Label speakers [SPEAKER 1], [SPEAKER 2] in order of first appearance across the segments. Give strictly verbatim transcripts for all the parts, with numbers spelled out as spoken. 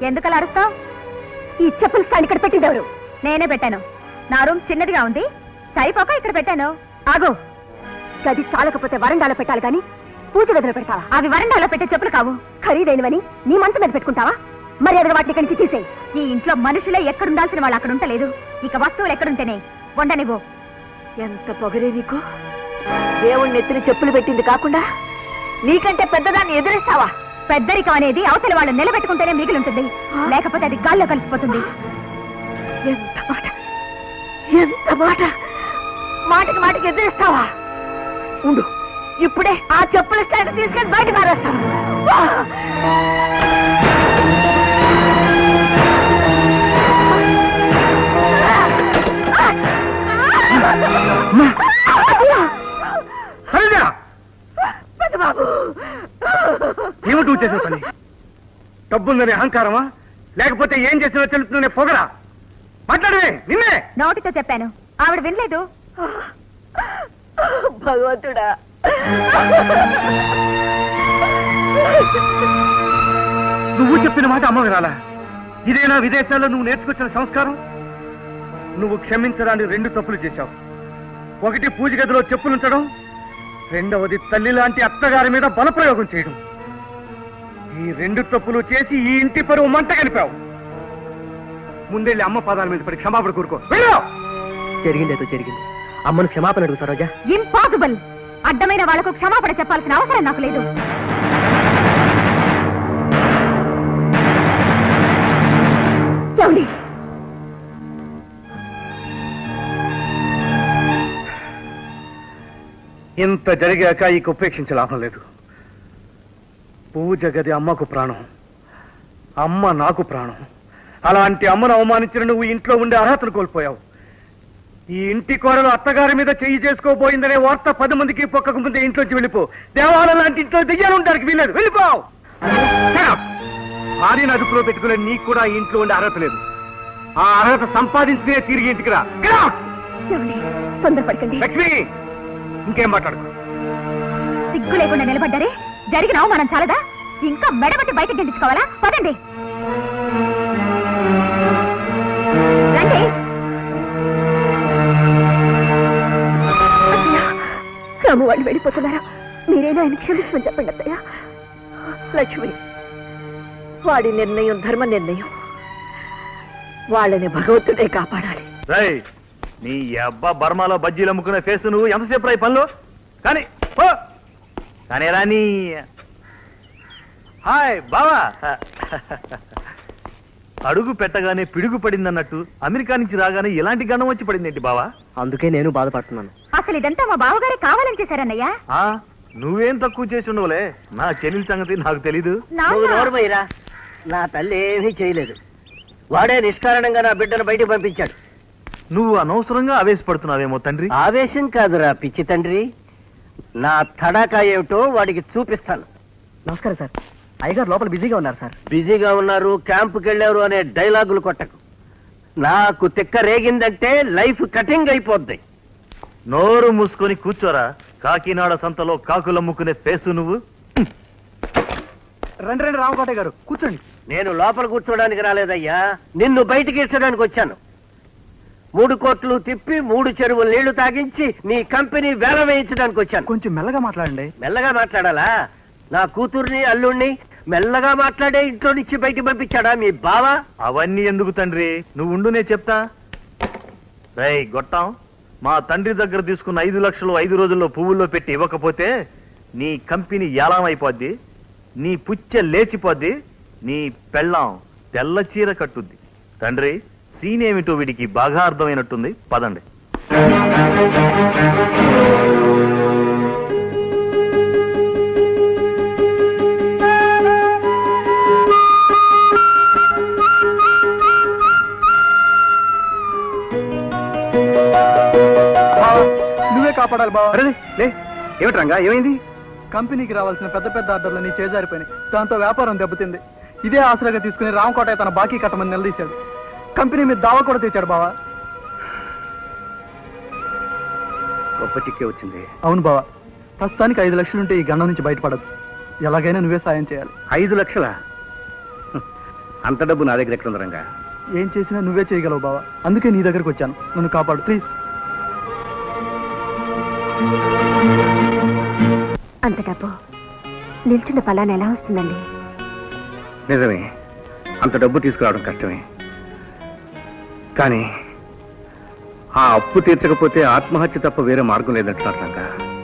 [SPEAKER 1] ఎందుకలా అరుస్తావు? ఈ చెప్పులు స్టాండ్ ఇక్కడ పెట్టింది ఎవరు? నేనే పెట్టాను. నా రూమ్ చిన్నదిగా ఉంది, సరిపోక ఇక్కడ పెట్టాను. ఆగు, గది చాలకపోతే వరండాలో పెట్టాలి కానీ పూజ గదిలో పెడతావా? అవి వరండాలో పెట్టే చెప్పులు కావు, ఖరీదైనవని నీ మంచం మీద పెట్టుకుంటావా? మరి అదిగా వాటిని ఇక్కడి నుంచి తీసేయి. ఈ ఇంట్లో మనుషులే ఎక్కడుండాల్సిన వాళ్ళు అక్కడ ఉంటలేదు, ఇక వస్తువులు ఎక్కడుంటేనే వండనివ్వు. ఎంత పొగరే నీకు! దేవుణ్ణి ఎత్తిన చెప్పులు పెట్టింది కాకుండా నీకంటే పెద్దదాన్ని ఎదురిస్తావా? పెద్దరికం అనేది అవతల వాళ్ళు నిలబెట్టుకుంటేనే మిగిలింటుంది, లేకపోతే అది గాల్లో కలిసిపోతుంది. ఎంత మాట, ఎంత మాట! మాటకి మాటకి ఎదురిస్తావా? ఉండు, ఇప్పుడే ఆ చెప్పుల స్టాండ్ తీసుకెళ్ళి బయట మారేస్తాను.
[SPEAKER 2] ఏమిటి చేసిన పని? డబ్బుందనే అహంకారమా, లేకపోతే ఏం చేసినా తెలుపుతుందనే పొగరా? మాట్లాడవే, నిన్నే.
[SPEAKER 1] నోటితో చెప్పాను, ఆవిడ వినలేదు. భగవంతుడా,
[SPEAKER 2] నువ్వు చెప్పిన మాట అమ్మ వినాలా? ఇదేనా విదేశాల్లో నువ్వు నేర్చుకొచ్చిన సంస్కారం? నువ్వు క్షమించడానికి రెండు తప్పులు చేశావు. ఒకటి పూజ గదిలో చెప్పులుంచడం, రెండవది తల్లి లాంటి అత్తగారి మీద బలప్రయోగం చేయడం. ఈ రెండు తప్పులు చేసి ఈ ఇంటి పరువు మంట కలిపావు. ముందెళ్ళి అమ్మ పాదాల మీద పడి క్షమాపణ కోరుకో.
[SPEAKER 3] జరిగిందేదో జరిగింది, అమ్మను క్షమాపణ అడుగు సరోజా.
[SPEAKER 1] ఇంపాసిబుల్. అడ్డమైన వాళ్లకు క్షమాపణ చెప్పాల్సిన అవసరం నాకు లేదు. ఏమండి,
[SPEAKER 2] ఇంత జరిగాక ఇక ఉపేక్షించే లాభం లేదు. పూజ గది అమ్మకు ప్రాణం, అమ్మ నాకు ప్రాణం. అలాంటి అమ్మను అవమానించిన నువ్వు ఇంట్లో ఉండే అర్హతను కోల్పోయావు. ఈ ఇంటి కోడలు అత్తగారి మీద చెయ్యి చేసుకోబోయిందనే వార్త పది మందికి పొక్కకు ముందే ఇంట్లోంచి వెళ్ళిపో. దేవాలయం లాంటి ఇంట్లో దెయ్యాలు ఉండడానికి వీల్లేదు, వెళ్ళిపోవు. భార్యను అదుపులో పెట్టుకునే నీకు కూడా ఈ ఇంట్లో ఉండే అర్హత లేదు. ఆ అర్హత సంపాదించుకునే తిరిగి ఇంటికి రా.
[SPEAKER 1] తొందరపడకండి.
[SPEAKER 2] లక్ష్మి, ఇంకేం మాట్లాడుకో.
[SPEAKER 1] సిగ్గు లేకుండా నిలబడ్డారే, జరిగిన అవమానం చాలదా? ఇంకా మెడబట్టి బయటకు గెలిచుకోవాలా? పదండి, రండి. రాము వాళ్ళు వెళ్ళిపోతున్నారా? మీరేనా ఆయన క్షమించమని చెప్పండి అత్తయ్య. లక్ష్మి, వాడి నిర్ణయం ధర్మ నిర్ణయం, వాళ్ళని భగవంతుడే కాపాడాలి.
[SPEAKER 2] నీ అబ్బా బర్మాలో బజ్జీలు అమ్ముకునే ఫేసు నువ్వు ఎంతసేపు రాయి పనులు కానీ కానీ రాని. హాయ్ బావా. అడుగు పెట్టగానే పిడుగు పడిందన్నట్టు అమెరికా నుంచి రాగానే ఇలాంటి గండం వచ్చి పడిందేంటి బావా?
[SPEAKER 3] అందుకే నేను బాధపడుతున్నాను.
[SPEAKER 1] అసలు ఇదంతా మా బావగారే కావాలని చేశారన్నయ్యా.
[SPEAKER 2] నువ్వేం తక్కువ చేసి ఉండవులే, నా చెల్లెల సంగతి నాకు తెలీదు.
[SPEAKER 3] నా తల్లి ఏమీ చేయలేదు, వాడే నిష్కారణంగా నా బిడ్డను బయటకు పంపించాడు.
[SPEAKER 2] నువ్వు అనవసరంగా ఆవేశపడుతున్నావేమో తండ్రి.
[SPEAKER 3] ఆవేశం కాదురా పిచ్చి తండ్రి, నా తడాకా ఏమిటో వాడికి చూపిస్తాను. నమస్కారం సార్, అయ్యగారు లోపల బిజీగా ఉన్నారు సార్. బిజీగా ఉన్నారు, క్యాంపుకి వెళ్ళారు అనే డైలాగులు కొట్టకు. నాకు తిక్క రేగిందంటే లైఫ్ కటింగ్ అయిపోద్ది.
[SPEAKER 2] నోరు మూసుకొని కూర్చోరా. కాకినాడ సంతలో కాకులమ్ముకునే ఫేసు నువ్వు.
[SPEAKER 3] రండి రండి రామకోటయ్య గారు, కూర్చోండి. నేను లోపల కూర్చోడానికి రాలేదయ్యా, నిన్ను బయటికి ఇచ్చడానికి వచ్చాను. మూడు కోట్లు తిప్పి మూడు చెరువులు నీళ్లు తాగించి నీ కంపెనీ వేల వేయించడానికి వచ్చాను.
[SPEAKER 2] కొంచెం మెల్లగా మాట్లాడండి.
[SPEAKER 3] మెల్లగా మాట్లాడాలా? నా కూతుర్ని అల్లుణ్ణి మెల్లగా మాట్లాడే ఇంట్లో నుంచి బయటికి పంపించాడా మీ బావ?
[SPEAKER 2] అవన్నీ ఎందుకు తండ్రి, నువ్వు ఉండు, నేను చెప్తా. రేయ్ గొట్టం, మా తండ్రి దగ్గర తీసుకున్న ఐదు లక్షలు ఐదు రోజుల్లో పువ్వుల్లో పెట్టి ఇవ్వకపోతే నీ కంపెనీ ఏలాం అయిపోద్ది, నీ పుచ్చ లేచిపోద్ది, నీ పెళ్ళాం తెల్ల చీర కట్టుద్ది. తండ్రి, సీన్ ఏమిటో వీడికి బాగా అర్థమైనట్టుంది, పదండి.
[SPEAKER 4] నువ్వే కాపాడాలి బావ.
[SPEAKER 2] ఏమిటి రంగా, ఏమైంది?
[SPEAKER 4] కంపెనీకి రావాల్సిన పెద్ద పెద్ద ఆర్డర్లన్నీ చేజారిపోయినాయి. దాంతో వ్యాపారం దెబ్బతింది. ఇదే ఆసరాగా తీసుకుని రామకోటయ్య తన బాకీ కట్టమని నిలదీశాడు. కంపెనీ మీద దావా కూడా తెచ్చాడు బావా.
[SPEAKER 2] గొప్ప చిక్కే వచ్చింది.
[SPEAKER 4] అవును బావా, ప్రస్తుతానికి ఐదు లక్షలుంటే ఈ గండం నుంచి బయటపడచ్చు. ఎలాగైనా నువ్వే సాయం చేయాలి.
[SPEAKER 2] ఐదు లక్షలా? అంత డబ్బు నా దగ్గర ఎక్కడ ఉంది రంగా?
[SPEAKER 4] ఏం చేసినా నువ్వే చేయగలవు బావా, అందుకే నీ దగ్గరకు వచ్చాను. నన్ను కాపాడు ప్లీజ్.
[SPEAKER 1] అంత డబ్బు నిల్చున్న ఫలాన్ని ఎలా వస్తుందండి?
[SPEAKER 2] నిజమే, అంత డబ్బు తీసుకురావడం కష్టమే. కానీ ఆ అప్పు తీర్చకపోతే ఆత్మహత్య తప్ప వేరే మార్గం లేదంటున్నారు రంగా.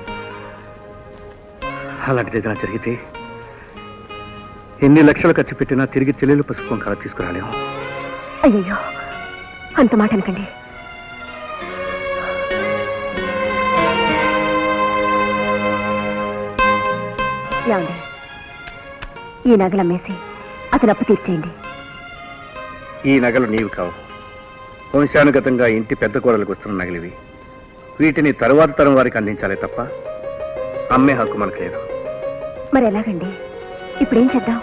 [SPEAKER 2] అలాంటిది ఏదైనా జరిగితే ఎన్ని లక్షలు ఖర్చు పెట్టినా తిరిగి చెల్లెలు పసుపు కల తీసుకురాలేము.
[SPEAKER 1] అయ్యయ్యో, అంత మాట అనకండి. ఏమండి, ఈ నగలు అమ్మేసి అతను అప్పు తీర్చేయండి.
[SPEAKER 2] ఈ నగలు నీవు కావు, వంశానుగతంగా ఇంటి పెద్ద కూరలకు వస్తున్న నగలివి. వీటిని తరువాత తరం వారికి అందించాలే తప్ప అమ్మే హక్కు మనకు లేదు.
[SPEAKER 1] మరి ఎలాగండి? ఇప్పుడేం చేద్దాం?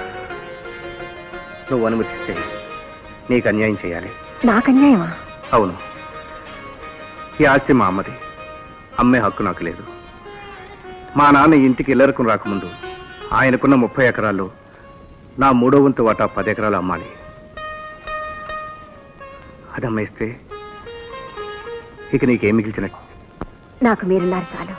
[SPEAKER 2] నువ్వు అనుమతిస్తే నీకు అన్యాయం చేయాలి.
[SPEAKER 1] నాకు అన్యాయమా?
[SPEAKER 2] అవును, ఈ ఆస్తి మా అమ్మది, అమ్మే హక్కు నాకు లేదు. మా నాన్న ఇంటికి ఇల్లరకం రాకముందు ఆయనకున్న ముప్పై ఎకరాల్లో నా మూడో వంతు వాటా పది ఎకరాలు అమ్మాలి. అది అమ్మేస్తే ఇక నీకేం మిగిల్చినట్టు?
[SPEAKER 1] నాకు మీరున్నారు చాలు.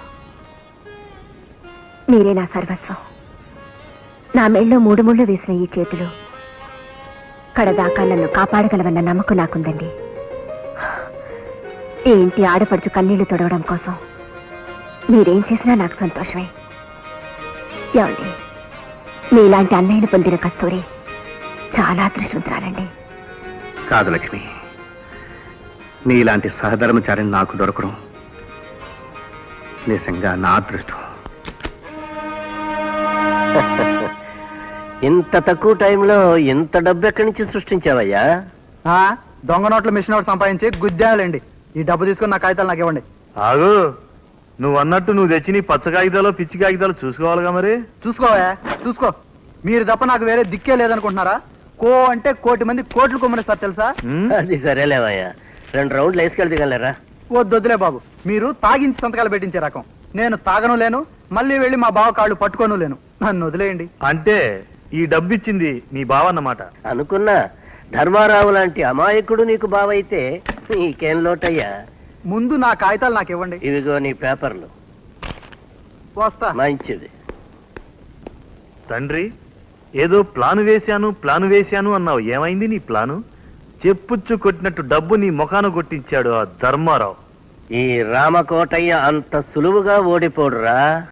[SPEAKER 1] మీరే నా సర్వస్వం. నా మెళ్ళో మూడు ముళ్ళు వేసిన ఈ చేతులు కడదాకా నన్ను కాపాడగలవన్న నమ్మకం నాకుందండి. ఈ ఇంటి ఆడపడుచు కన్నీళ్లు తొడవడం కోసం మీరేం చేసినా నాకు సంతోషమే. ఏమండి, మీలాంటి అన్నయ్యను పొందిన కస్తూరి చాలా అదృష్టవంతురాలండి.
[SPEAKER 2] కాదు లక్ష్మి, నీలాంటి సహధర్మచారిని నాకు దొరకడం నిజంగా నా అదృష్టం.
[SPEAKER 3] ఇంత తక్కువ టైంలో ఇంత డబ్బు ఎక్కడి నుంచి సృష్టించావయ్యా?
[SPEAKER 4] ఆ, దొంగ నోట్ల మిషన్ ఒకటి సంపాదించి గుద్దేయాలండి. ఈ డబ్బు తీసుకుని నా కాగితాలు నాకు ఇవ్వండి.
[SPEAKER 5] ఆగు, నువ్వు అన్నట్టు నువ్వు తెచ్చి నీ పచ్చ కాగితాలు పిచ్చి కాగితాలు చూసుకోవాలిగా మరి.
[SPEAKER 4] చూసుకోవా, చూసుకో. మీరు తప్ప నాకు వేరే దిక్కే లేదనుకుంటున్నారా? కో అంటే కోటి మంది కోట్లు కొమ్మనిస్తారు తెలుసా?
[SPEAKER 5] ఉమ్,
[SPEAKER 3] అది సరేలేవయ్యా, రెండు రౌండ్లు వేసుకెళ్తే దిగలేరా?
[SPEAKER 4] వద్దొద్దులే బాబు, మీరు తాగించి సంతకాలు పెట్టించే రకం. నేను తాగను లేను, మళ్ళీ వెళ్ళి మా బావ కాళ్ళు పట్టుకోను లేను. నన్ను వదిలేయండి.
[SPEAKER 5] అంటే ఈ డబ్బు ఇచ్చింది నీ బావ అన్నమాట.
[SPEAKER 3] అనుకున్నా, ధర్మారావు లాంటి అమాయకుడు నీకు బావైతే నీకేం లోటయ్యా?
[SPEAKER 4] ముందు నా కాగితాలు నాకు ఇవ్వండి.
[SPEAKER 3] ఇవిగో నీ పేపర్లు.
[SPEAKER 4] వస్తా.
[SPEAKER 3] మంచిది.
[SPEAKER 5] తండ్రి, ఏదో ప్లాను వేశాను ప్లాను వేశాను అన్నావు, ఏమైంది నీ ప్లాను? చెప్పుచ్చు కొట్టినట్టు డబ్బు నీ ముఖాన కొట్టించాడు ఆ ధర్మారావు.
[SPEAKER 3] ఈ రామకోటయ్య అంత సులువుగా ఓడిపోడురా.